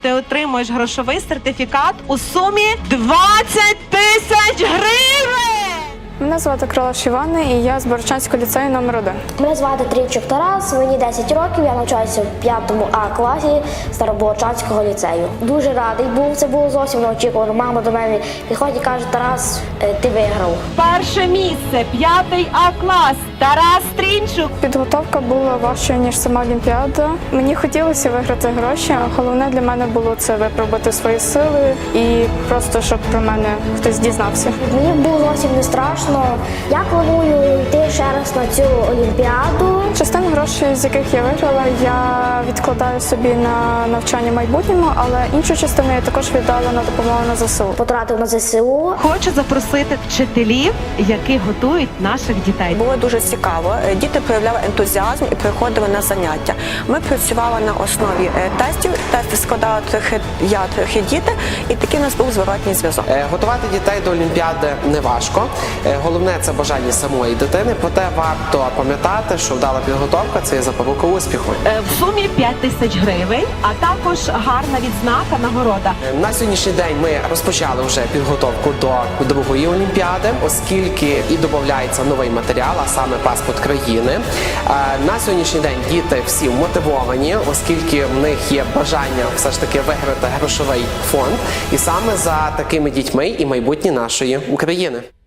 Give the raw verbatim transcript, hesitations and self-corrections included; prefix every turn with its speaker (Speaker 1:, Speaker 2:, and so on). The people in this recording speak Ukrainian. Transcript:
Speaker 1: Ти отримуєш грошовий сертифікат у сумі двадцять тисяч гривень!
Speaker 2: Мене звати Крилаш Іванна, і я з Богородчанського ліцею номер один.
Speaker 3: Мене звати Трійчук Тарас, мені десять років, я навчаюся в п'ятому А класі Старобогородчанського ліцею. Дуже радий був, це було зовсім неочікувано. Мама до мене підходить і каже: Тарас, ти виграв.
Speaker 1: Перше місце, п'ятий А клас, Тарас Трінчук.
Speaker 2: Підготовка була важчою, ніж сама Олімпіада. Мені хотілося виграти гроші, а головне для мене було це випробувати свої сили і просто, щоб про мене хтось дізнався.
Speaker 3: Мені було зовсім не страшно. Я планую йти ще раз на цю Олімпіаду.
Speaker 2: Частину грошей, з яких я виграла, я відкладаю собі на навчання в майбутньому, але іншу частину я також віддала на допомогу на ЗСУ.
Speaker 3: Потратив на ЗСУ.
Speaker 1: Хочу запросити вчителів, які готують наших дітей.
Speaker 4: Було дуже цікаво. Діти проявляли ентузіазм і приходили на заняття. Ми працювали на основі тестів. Тести складали трохи я, трохи діти, і такий у нас був зворотній зв'язок.
Speaker 5: Готувати дітей до Олімпіади не важко. Головне – це бажання самої дитини. Проте варто пам'ятати, що вдала підготовка – це є запорука успіху.
Speaker 1: В сумі п'ять тисяч гривень, а також гарна відзнака, нагорода. На
Speaker 5: сьогоднішній день ми розпочали вже підготовку до другої Олімпіади, оскільки і додається новий матеріал, а саме паспорт країни. На сьогоднішній день діти всі мотивовані, оскільки в них є бажання все ж таки виграти грошовий фонд. І саме за такими дітьми і майбутнє нашої України.